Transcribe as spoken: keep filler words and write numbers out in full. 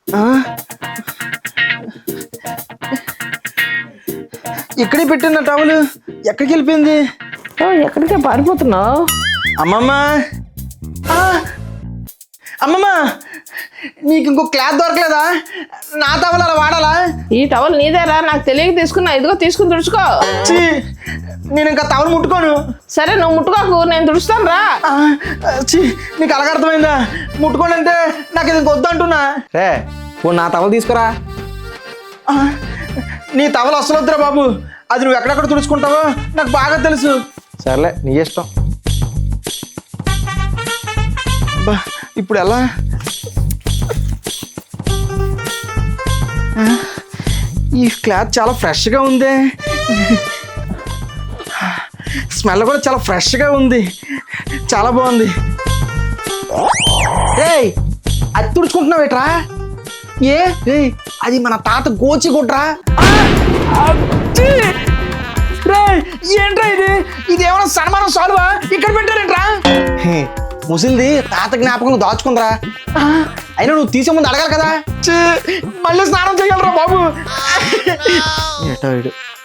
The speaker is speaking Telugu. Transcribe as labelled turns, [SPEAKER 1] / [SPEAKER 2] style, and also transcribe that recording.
[SPEAKER 1] ఇక్కడే పెట్టిన టవల్ ఎక్కడికి వెళ్ళిపోయింది?
[SPEAKER 2] ఎక్కడికే పారిపోతున్నావు?
[SPEAKER 1] అమ్మమ్మ అమ్మమ్మ నీకు ఇంకో క్లాత్ దొరకలేదా? నా టవల్ అలా వాడాలా?
[SPEAKER 2] ఈ టవల్ నీదేరా, నాకు తెలియక తీసుకున్నా. ఇదిగో తీసుకుని తుడుచుకో.
[SPEAKER 1] నేను ఇంకా టవల్ ముట్టుకోను.
[SPEAKER 2] సరే నువ్వు ముట్టుకోకు, నేను తుడుస్తాను రా.
[SPEAKER 1] నీకు అలాగ అర్థమైందా? ముట్టుకోని అంటే నాకు ఇది వద్దు అంటున్నా.
[SPEAKER 3] రే ఓ నా టవల్ తీసుకురా.
[SPEAKER 1] నీ టవల్ అసలు వద్దురా బాబు. అది నువ్వు ఎక్కడెక్కడ తుడుచుకుంటావో నాకు బాగా తెలుసు.
[SPEAKER 3] సర్లే నీ ఇష్టం.
[SPEAKER 1] బా ఇప్పుడు ఎలా? ఈ క్లాత్ చాలా ఫ్రెష్గా ఉంది. స్మెల్ కూడా చాలా ఫ్రెష్గా ఉంది. చాలా బాగుంది. రేయ్ అది తుడుచుకుంటున్నావు ఏట్రా? ఏ రే అది మన తాత గోచి గుడ్రా. ఏంట్రా ఇది? ఇది ఏమైనా సన్మానం సాల్వా? ఇక్కడ పెట్టారేంట్రా?
[SPEAKER 3] ముసిల్ది తాత జ్ఞాపకం దాచుకుందరా. అయినా నువ్వు తీసే ముందు అడగాలి కదా.
[SPEAKER 1] మళ్ళీ స్నానం చేయాలరా బాబు.
[SPEAKER 3] ఏటో